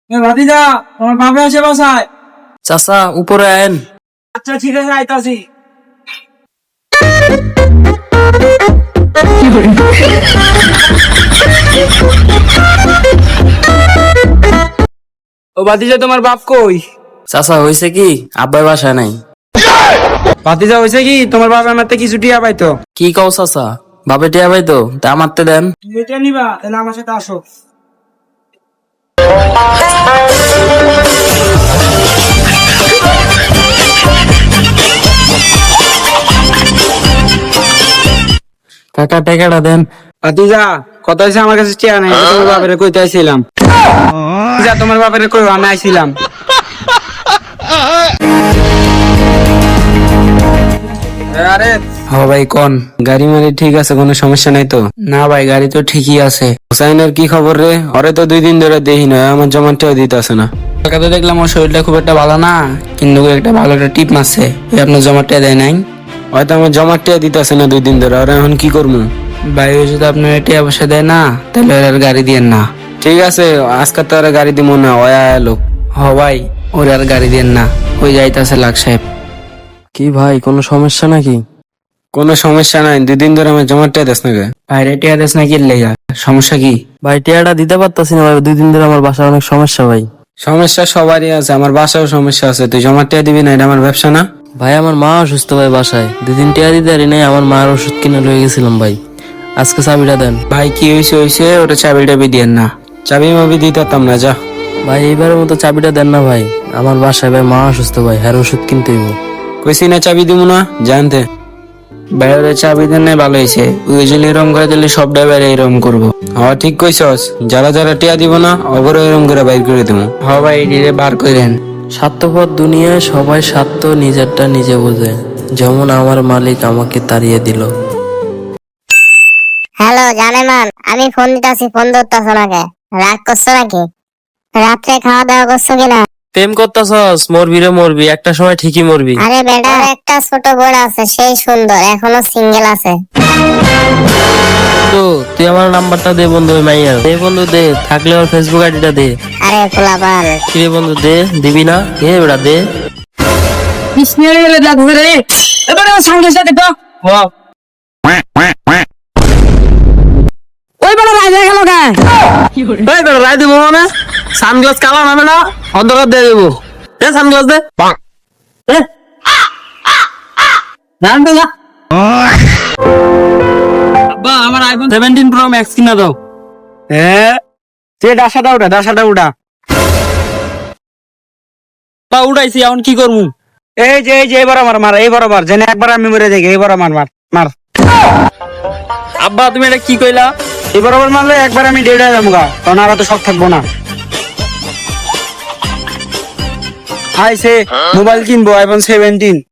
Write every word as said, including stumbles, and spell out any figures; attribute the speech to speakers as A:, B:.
A: ভাতিজা তোমার বাপে আসে বাসায়।
B: চাচা উপরে আয়েন।
A: আচ্ছা ঠিক আছে আইতাছি। ও ভাতিজা তোমার বাপ কই?
B: চাচা হয়েছে কি, আব্বার বাসায় নাই।
A: ভাতিজা হয়েছে কি তোমার বাপ আমার থেকে কিছু টিয়া পাইতো।
B: কি কও চাচা, বাপে টিয়া ভাই তো তা আমারতে দেন।
A: তুমি এটা নিবা তাহলে আমার সাথে আসো।
B: কাকা টাকাটা দেন।
A: ভাতিজা কথা হয়েছে আমার কাছে টিয়া নাই, আমি তোমার বাপের কইতে আইছিলাম। যা তোমার বাপের কই আমি আইছিলাম। আরে
B: হ ভাই কোন,
A: গাড়ি মারি ঠিক আছে, কোনো সমস্যা নাই তো?
B: না ভাই গাড়ি তো ঠিকই আছে।
A: হুসাইনের কি খবর রে? ওরে তো দুই দিন ধরে দেখি না, আমার জমাটাও দিতে আসে না।
B: কাকাতে দেখলাম ওর শরীরটা খুব একটা ভালো না, কিন্তু একটা ভালো একটা টিপ মারছে। ওই আপনার জমাটা দেয় নাই।
A: হয়তো আমার জমাটাও দিতে আসে না দুই দিন ধরে, ওরা এখন কি করবো?
B: ভাই ওই যদি আপনার টিয়া পয়সা দেয় না, তাহলে ওর আর গাড়ি দিয়েন না।
A: ঠিক আছে আজকে তো ওরা গাড়ি দিব না, ওয়া লোক।
B: হ ভাই ওর আর গাড়ি দিয়েন না, ওই যাইতাছে লাখ সাহেব।
A: কি ভাই কোনো সমস্যা নাকি? কোনো সমস্যা নাই, দুই দিন ধরে আমার জমাটাও দেশ না।
B: বাইরে টিয়া দেশ না কি লেগা, সমস্যা কি?
C: ভাই টিয়াটা দিতে পারতাছি না ভাই, দুই দিন ধরে আমার বাসায় অনেক সমস্যা ভাই।
A: সমস্যা সবারই আছে, আমার বাসাও সমস্যা আছে। তুই জমাটাও দিবি না, এটা আমার ব্যবসা না।
C: ভাই আমার মা অসুস্থ ভাই, বাসায় দুই দিন টিয়া দিতে পারি নাই, আমার মার ওষুধ কিনে লয়ে গেছিলাম ভাই। আজকে চাবিটা দেন
B: ভাই কি হয়েছে হয়েছে, ওটা চাবি টাবি দিয়েন না।
A: চাবি মাবি দিতে পারতাম না, যা।
C: ভাই। এইবারের মতো চাবিটা দেন না ভাই, আমার বাসায় ভাই মা অসুস্থ ভাই, হ্যাঁ ওষুধ কিনতে হইব।
A: কইছি না চাবি দিব না, জানতে।
B: ভাই ওরা চাবি দেন নাই, ভালো হয়েছে। ওই যদি এরম করে দিলে সব ড্রাইভার এরম করবো।
A: হ্যাঁ ঠিক কইছস, যারা যারা টিয়া দিব না অবরও এরম করে বাইর করে দেবো।
B: হ ভাই এটিরে বার করেন।
C: স্বার্থপর দুনিয়ায় সবাই স্বার্থ নিজেরটা নিজে বোঝে, যেমন আমার মালিক আমাকে তাড়িয়ে দিল।
D: হ্যালো জানেমান, আমি ফোন দিতাছি, ফোন ধরতেছ নাকি? রাগ করছো নাকি? রাত্রে খাওয়া দাওয়া করছো কিনা?
C: প্রেম করতেছস, মরবি রে মরবি, একটা সময় ঠিকই মরবি।
D: আরে বেটা একটা ছোট বোন আছে, সেই সুন্দর, এখনো সিঙ্গেল আছে।
C: তো তুই আমার নাম্বারটা দে বন্ধু, ওই মাইয়ার দে বন্ধু, দে থাকলে ওর ফেসবুক আইডিটা দে।
D: আরে পোলাপান,
C: কি রে বন্ধু দে, দিবি না? এ বেটা দে।
B: এবারে সঙ্গে সাথে তো ওই বেলা রাজা গেল গায়ে।
C: এই বেটা রাই দিব মানে সানগ্লাস কালা নামে না, অন্ধকার দিয়ে দেবো। দে সানগ্লাস দে। দে। রান দে যা।
B: আব্বা আমার আইফোন সেভেন্টিন প্রো ম্যাক্স কিনা দাও।
A: হ্যাঁ তুই ডাসাটা উঠা, ডাসাটা উঠা।
B: বা উঠাইছি, এখন কি করবো?
A: এই যে এই যে এই বরাবর মার, এই বরাবর যেন একবার আমি মরে যাই, এই বরাবর মার মার।
B: আব্বা তুমি এটা কি কইলা?
A: এই বরাবর মারলে একবার আমি ডেড হয়ে যাবো গা, তখন আর তো শখ থাকবো না। আইসে মোবাইল কিনবো আইফোন সেভেন্টিন।